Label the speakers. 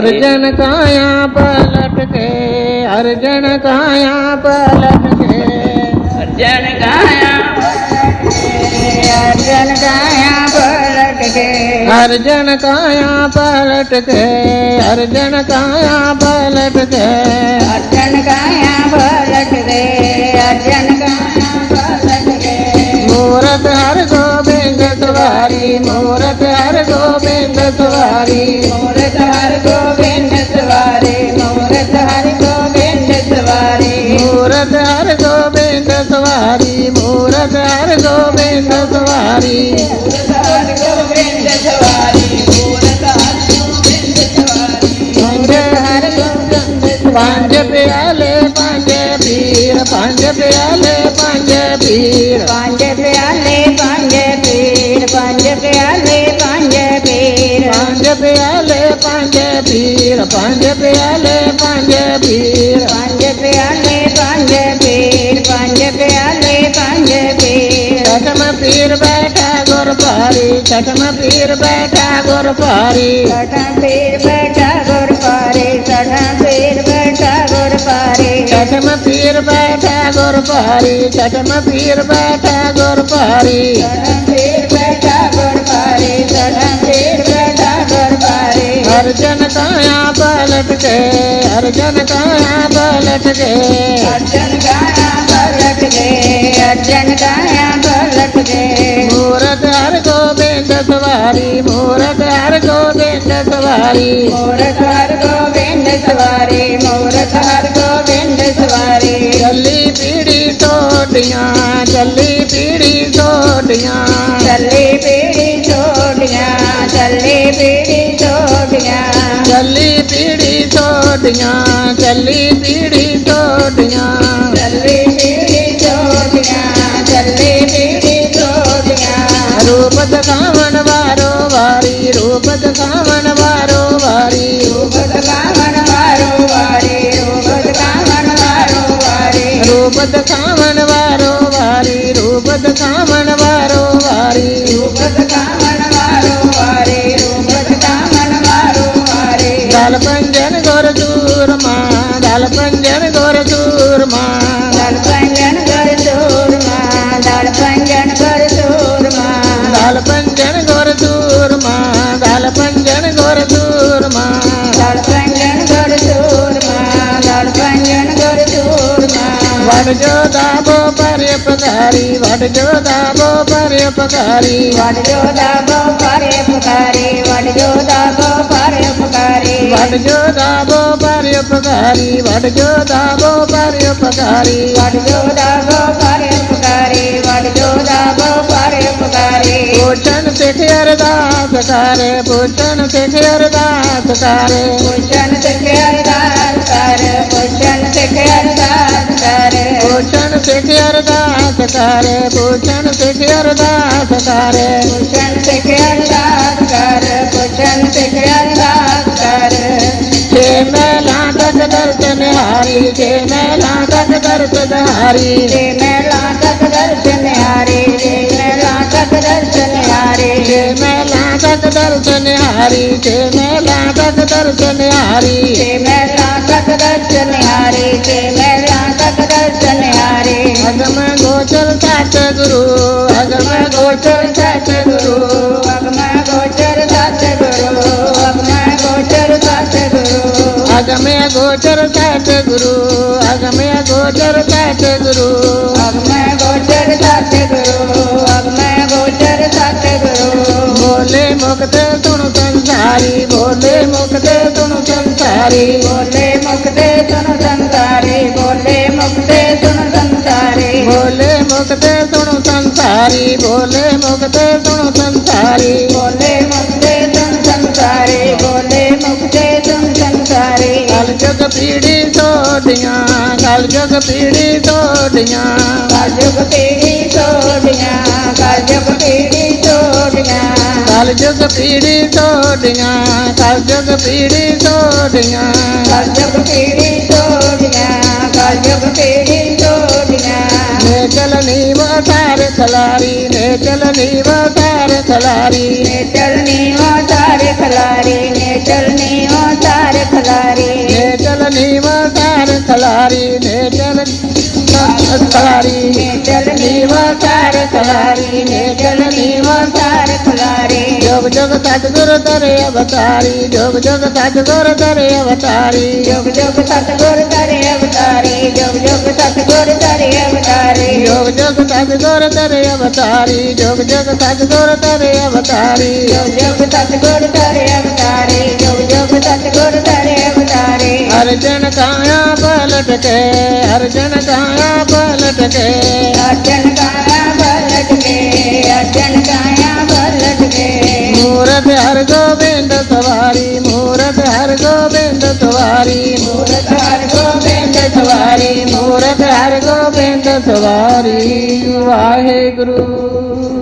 Speaker 1: अर्जन काया पलट के, अर्जन काया पलट के,
Speaker 2: अर्जन काया अर्जन काया पलट के,
Speaker 1: अर्जन काया पलट के, अर्जन काया पलट के,
Speaker 2: अर्जन काया पलट के, अर्जन काया पलट के।
Speaker 1: मूरत हर गोविंद सवारी, मूरत हर गोविंद सवारी,
Speaker 2: मूरत हर गोविंद सवारी, मूरत हर गोविंद सवारी,
Speaker 1: मूरत हर गोविंद सवारी, मूरत हर गोविंद सवारी,
Speaker 2: मूरत हर गोविंद सवारी, मूरत हर गोविंद सवारी,
Speaker 1: पंज हर गोविंद, पंज प्याले पंज पीर, पंज प्याले पंज पीर,
Speaker 2: पंज प्याले पंज पीर, पंज प्याले पंज पीर,
Speaker 1: पंज प्याले पंज पीर, पंज प्याले पंज पीर,
Speaker 2: पंज प्याले पंज पीर, पंज प्याले पंज पीर।
Speaker 1: छठम पीर बैठा गुर पारी, छठम पीर बैठा गुर पारी,
Speaker 2: छठम पीर बैठा गुर पारे, छठम पीर बैठा गुर पारे,
Speaker 1: छठम पीर बैठा गुर पारी, छठम पीर बैठा गुर पारी,
Speaker 2: छठम पीर बैठा गुर पारे, छठम पीर बैठा गुर पारे।
Speaker 1: अर्जन काया पलट के, अर्जन काया पलट के,
Speaker 2: अर्जन काया पलट गए, अर्जन काया पलट गए।
Speaker 1: मूरत हर गोविंद सवारी, मूरत हर गोविंद सवारी,
Speaker 2: मूरत हर गोविंद सवारी, मूरत हर गोविंद सवारी।
Speaker 1: चली पीढ़ी टोटियां, चली पीढ़ी टोटियां,
Speaker 2: चली पीढ़ी छोड़ियाँ, चली पीढ़ी छोड़ियाँ,
Speaker 1: चली पीढ़ी टोटियां, चली पीढ़ी टोटियां,
Speaker 2: चली पीढ़ी छोड़ियाँ, चली पीढ़ी छोड़ियाँ।
Speaker 1: रूप दिखावन वारो वारी, रूप दिखावन वारो वारी,
Speaker 2: रूप दिखावन वारो वारी, रूप दिखावन वारो वारी,
Speaker 1: रूप दिखावन वारो वारी, रूप दिखावन वारो वारी,
Speaker 2: रूप दिखावन वारो वारी, रूप दिखावन वारो वारी।
Speaker 1: दल पंजन गोर चूरमा, दल पंजन गोर चूरमा,
Speaker 2: दल पंजन कर चूरमा, दल पंजन कर चूरमा,
Speaker 1: दल पंजन गोर चूरमा, दल पंजन गोर चूरमा,
Speaker 2: दल पंजन कर चूरमा, दल पंजन कर चूरमा।
Speaker 1: वड जो दाबो पर्यपकारी, वड जो दाबो पर्यपकारी,
Speaker 2: वड जो दाबो पारे पुकारी, वड जो दाबो पारे पुकारी,
Speaker 1: वड जो दाबो पर्यपकारी, वड जो दाबो पर्यपकारी,
Speaker 2: वड जो दाबो पारे पुकारी, वड जो दाबो पारे पुकारी।
Speaker 1: भूषण सिख अरदास करे, भूषण सिख अरदास करे,
Speaker 2: भूषण सिख अरदास कर, भूषण सिख अरदास कर,
Speaker 1: भूषण सिख अरदास करे, भूषण सिख अरदास करे,
Speaker 2: भूषण सिख अरदास कर, भूषण सिख अरदास कर।
Speaker 1: छे मेला तक दर्शन हारी, छे मेला तक दर्शन हारी,
Speaker 2: रे मेला तक दर्शन हारे, रे मेला तक दर्शन हारे,
Speaker 1: छे मेला तक दर्शन हारी, छे मेला तक दर्शन हारी,
Speaker 2: रे मेला तक दर्शन हारे, रे मेला तक दर्शन हारे।
Speaker 1: अगम गोचर सात गुरु, अगम गोचर सात गुरु,
Speaker 2: अगम गोचर सात गुरु, अगम गोचर सात गुरु,
Speaker 1: अगम गोचर सात गुरु, अगम गोचर सात गुरु,
Speaker 2: अगम गोचर सात गुरु, अगम गोचर सात गुरु।
Speaker 1: बोले मुक्त सुन संसारी, बोले मुक्त सुन संसारी,
Speaker 2: बोले मुक्ते सुन संसारी, बोले मुक्ते सुन संसारी,
Speaker 1: बोले मुक्त सुन संसारी, बोले मुक्त सुन संसारी,
Speaker 2: बोले मुक्ते सुन संसारी, बोले मुक्ते सुन संसारी।
Speaker 1: कल जुग पीढ़ी सोडियां, कल जुग पीढ़ी सोडियां,
Speaker 2: काजुग पीढ़ी छोड़ियाँ, काजुग पीढ़ी छोड़ियाँ,
Speaker 1: कल जुग पीढ़ी सोडियां, कल जुग पीढ़ी सोडियां,
Speaker 2: काजुग पीढ़ी छोड़ियाँ, काजुग पीढ़ी छोड़ियाँ।
Speaker 1: मेघ चलनी वसार खलारी ने चलनी वसार खलारी
Speaker 2: ने चलनी वो सारे खलारी ने चलनी वो सारे खलारी
Speaker 1: ने चलनी वसार खलारी ने चलनी खलारी
Speaker 2: ने चलनी वो सारे खलारी ने चलनी वो सारे खलारी
Speaker 1: जोग जोग सतगुरु धरे अवतारी जोग जोग सतगुरु धरे अवतारी
Speaker 2: जोग जोग सतगुरु धरे अवतारी जोग जोग सतगुरु धरे अवतारी
Speaker 1: जोग जोग सतगुरु धरे अवतारी जोग जोग सतगुरु धरे अवतारी
Speaker 2: जोग जोग सतगुरु धरे अवतारी जोग जोग सतगुरु धरे अवतारी
Speaker 1: अर्जन काया पलट के अर्जन काया पलट के
Speaker 2: अर्जन काया पलट के अर्जन काया पलट के
Speaker 1: मूरत हर गोविंद सवारी मूरत हर गोविंद सवारी
Speaker 2: मूरत हर गोबिंद
Speaker 1: सवारी मूरत हर गोविंद सवारी वाहे गुरु